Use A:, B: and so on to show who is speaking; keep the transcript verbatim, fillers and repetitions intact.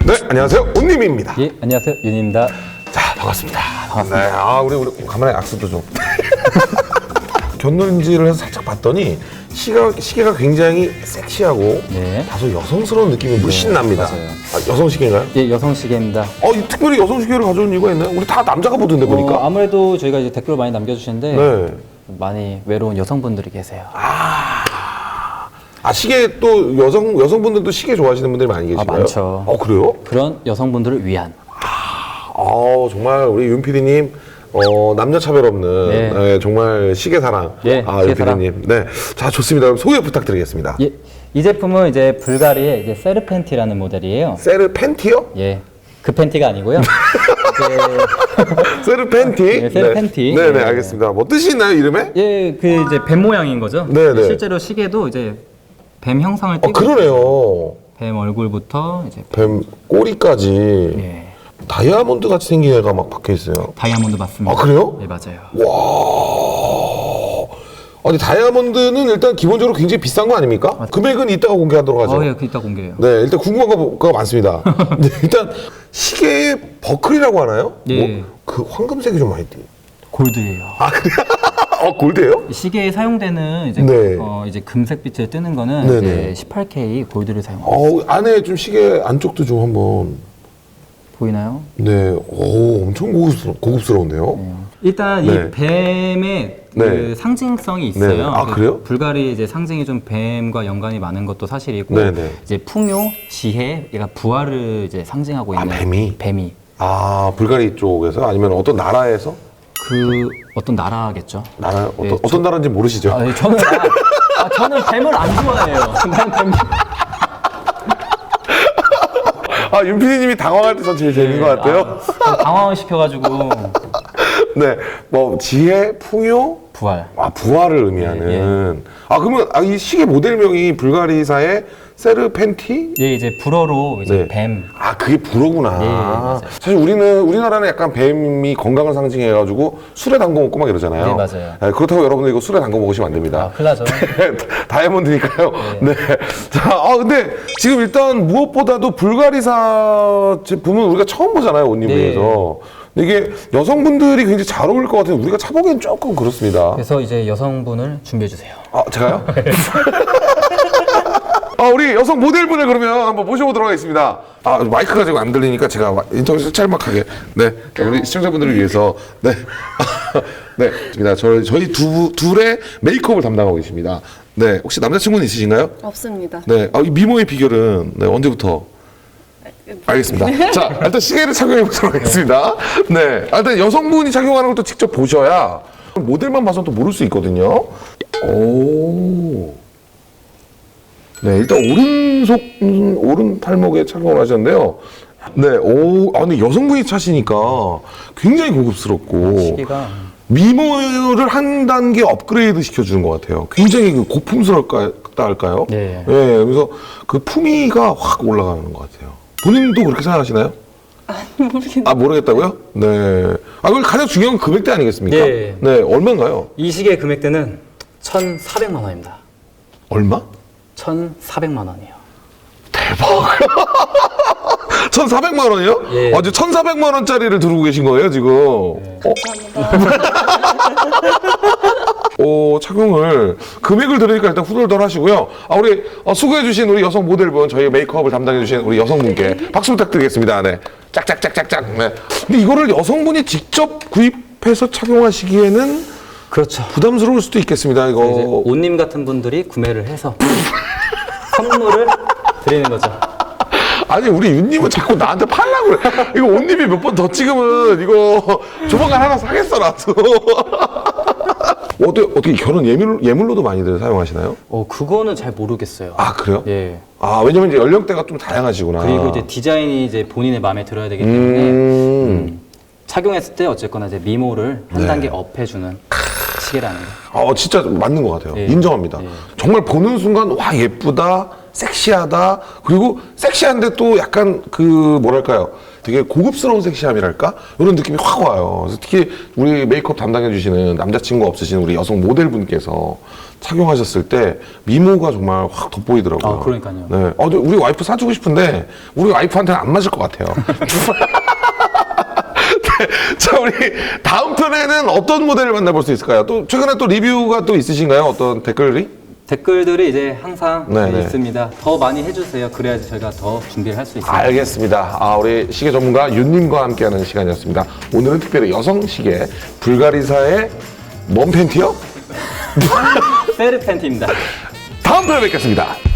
A: 네, 안녕하세요. 온님입니다.
B: 예, 안녕하세요. 윤입니다.
A: 자, 반갑습니다. 반갑습니다. 네, 아, 우리, 우리 가만히 악수도 좀. 곁눈질을 해서 살짝 봤더니 시가, 시계가 굉장히 섹시하고
B: 네.
A: 다소 여성스러운 느낌이 물씬 납니다.
B: 맞아요.
A: 아, 여성 시계인가요?
B: 예, 여성 시계입니다.
A: 어, 이 특별히 여성 시계를 가져온 이유가 있나요? 우리 다 남자가 보던데 보니까.
B: 어, 아무래도 저희가 이제 댓글을 많이 남겨주시는데
A: 네.
B: 많이 외로운 여성분들이 계세요.
A: 아, 아 시계 또 여성 여성분들도 시계 좋아하시는 분들이 많이 계신가요?
B: 아, 많죠.
A: 어, 그래요?
B: 그런 여성분들을 위한.
A: 아, 정말 우리 윤 피디님 어, 남녀 차별 없는
B: 네.
A: 네, 정말 시계 사랑.
B: 예,
A: 아,
B: 시계
A: 윤 피디님. 네, 자 좋습니다. 그럼 소개 부탁드리겠습니다.
B: 예, 이 제품은 이제 불가리의 이제 세르 팬티라는 모델이에요.
A: 세르 팬티요?
B: 예, 그 팬티가 아니고요.
A: 세르 팬티.
B: 네, 세르 팬티.
A: 네, 네,
B: 네.
A: 알겠습니다. 뭐 뜻이 있나요, 이름에?
B: 예, 그 이제 뱀 모양인 거죠.
A: 네, 네.
B: 실제로 시계도 이제 뱀 형상을
A: 어,
B: 띠고
A: 그러네요.
B: 뱀 얼굴부터 이제
A: 뱀 꼬리까지
B: 예,
A: 다이아몬드 같이 생긴 애가 막 박혀 있어요.
B: 다이아몬드 맞습니다.
A: 아, 그래요?
B: 네, 맞아요.
A: 와. 아니 다이아몬드는 일단 기본적으로 굉장히 비싼 거 아닙니까? 금액은 이따가 공개하도록 하죠.
B: 어, 예, 그 이따 공개해요.
A: 네, 일단 궁금한 거가 많습니다. 네, 일단 시계의 버클이라고 하나요?
B: 예.
A: 뭐, 그 황금색이 좀 많이 띄.
B: 골드예요.
A: 아, 그래? 어, 골드예요?
B: 시계에 사용되는 이제
A: 네.
B: 어 이제 금색빛을 뜨는 거는
A: 네네.
B: 이제 십팔 케이 골드를 사용해요.
A: 어, 안에 좀 시계 안쪽도 좀 한번.
B: 보이나요?
A: 네, 오, 엄청 고급스러, 고급스러운데요?
B: 네. 일단
A: 네.
B: 이 뱀의 그
A: 네.
B: 상징성이 있어요.
A: 네. 아,
B: 그
A: 그래요?
B: 불가리 이제 상징이 좀 뱀과 연관이 많은 것도 사실이고
A: 네네.
B: 이제 풍요, 지혜, 얘가 부활을 이제 상징하고
A: 아,
B: 있는
A: 뱀이?
B: 뱀이
A: 아, 불가리 쪽에서? 아니면 어떤 나라에서?
B: 그 어떤 나라겠죠.
A: 나라, 어떤,
B: 네,
A: 어떤 나라인지 모르시죠?
B: 아, 네, 저는 아, 아, 저는 뱀을 안 좋아해요. 난 뱀.
A: 아, 윤 피디님이 당황할 때 전 제일 재밌는 것 같아요.
B: 아, 당황을 시켜가지고
A: 네, 뭐, 지혜, 풍요,
B: 부활.
A: 아, 부활을 의미하는. 아, 그러면 아, 이 시계 모델명이 불가리사의 세르 팬티?
B: 예, 이제 불어로 이제
A: 네.
B: 뱀.
A: 아, 그게 불어구나.
B: 예, 예, 맞아요.
A: 사실 우리는, 우리나라는 약간 뱀이 건강을 상징해가지고 술에 담궈 먹고 막 이러잖아요.
B: 네, 맞아요.
A: 네, 그렇다고 여러분들 이거 술에 담궈 먹으시면 안 됩니다.
B: 아, 큰일 나죠.
A: 다이아몬드니까요. 네. 자, 아, 근데 지금 일단 무엇보다도 불가리사 제품은 우리가 처음 보잖아요, 온리뷰에서. 근데 이게 여성분들이 굉장히 잘 어울릴 것 같아요. 우리가 차보기엔 조금 그렇습니다.
B: 그래서 이제 여성분을 준비해 주세요.
A: 아, 제가요? 아, 우리 여성 모델분을 그러면 한번 모셔보도록 하겠습니다. 아, 마이크가 지금 안 들리니까 제가 인터뷰 짤막하게. 네. 우리 시청자분들을 위해서. 네. 네. 좋습니다. 저, 저희 두, 둘의 메이크업을 담당하고 계십니다. 네. 혹시 남자친구는 있으신가요?
C: 없습니다.
A: 네. 아, 이 미모의 비결은 네, 언제부터? 알겠습니다. 자, 일단 시계를 착용해 보도록 하겠습니다. 네. 아, 일단 여성분이 착용하는 것도 직접 보셔야 모델만 봐서는 또 모를 수 있거든요. 오. 네, 일단 오른속, 음, 오른 팔목에 착용을 하셨는데요. 네, 오, 아, 근데 여성분이 차시니까 굉장히 고급스럽고.
B: 시계가
A: 미모를 한 단계 업그레이드 시켜주는 것 같아요. 굉장히 그 고풍스럽다 할까요?
B: 네.
A: 네, 그래서 그 품위가 확 올라가는 것 같아요. 본인도 그렇게 생각하시나요?
C: 모르겠는데.
A: 아, 모르겠다고요? 네. 아, 그럼 가장 중요한 건 금액대 아니겠습니까?
B: 네.
A: 네, 얼마인가요?
B: 이 시계 금액대는 천사백만 원입니다.
A: 얼마?
B: 천사백만 원이에요.
A: 천사백만 원이요?
B: 예.
A: 아, 이제 천사백만 원짜리를 들고 계신 거예요, 지금? 어? 어, 착용을, 금액을 들으니까 일단 후덜덜 하시고요. 아, 우리, 어, 수고해주신 우리 여성 모델분, 저희 메이크업을 담당해주신 우리 여성분께 박수 부탁드리겠습니다. 네. 짝짝짝짝짝. 네. 근데 이거를 여성분이 직접 구입해서 착용하시기에는
B: 그렇죠.
A: 부담스러울 수도 있겠습니다, 이거.
B: 이제 온님 같은 분들이 구매를 해서 선물을 드리는 거죠.
A: 아니 우리 윤님은 자꾸 나한테 팔라고 그래. 이거 옷님이 몇 번 더 찍으면 이거 조만간 하나 사겠어 나도. 어떻게 어떻게 결혼 예물 예물로도 많이들 사용하시나요?
B: 어, 그거는 잘 모르겠어요.
A: 아 그래요?
B: 예.
A: 아 왜냐면 이제 연령대가 좀 다양하시구나.
B: 그리고 이제 디자인이 이제 본인의 마음에 들어야 되기 때문에
A: 음.
B: 음, 착용했을 때 어쨌거나 이제 미모를 한
A: 네.
B: 단계 업해주는 시계라는 거.
A: 어 진짜 맞는 것 같아요.
B: 예.
A: 인정합니다.
B: 예.
A: 정말 보는 순간 와 예쁘다, 섹시하다. 그리고 섹시한데 또 약간 그 뭐랄까요? 되게 고급스러운 섹시함이랄까? 이런 느낌이 확 와요. 그래서 특히 우리 메이크업 담당해 주시는 남자친구 없으신 우리 여성 모델분께서 착용하셨을 때 미모가 정말 확 돋보이더라고요.
B: 아, 그러니까요.
A: 네. 어, 저 우리 와이프 사주고 싶은데 우리 와이프한테는 안 맞을 것 같아요. 네. 자, 우리 다음 편에는 어떤 모델을 만나볼 수 있을까요? 또 최근에 또 리뷰가 또 있으신가요? 어떤 댓글이?
B: 댓글들이 이제 항상
A: 네네.
B: 있습니다. 더 많이 해주세요. 그래야지 저희가 더 준비를 할 수 있습니다.
A: 알겠습니다. 아, 우리 시계 전문가 윤님과 함께하는 시간이었습니다. 오늘은 특별히 여성 시계 불가리사의 뭔 팬티요?
B: 세르 팬티입니다.
A: 다음 편에 뵙겠습니다.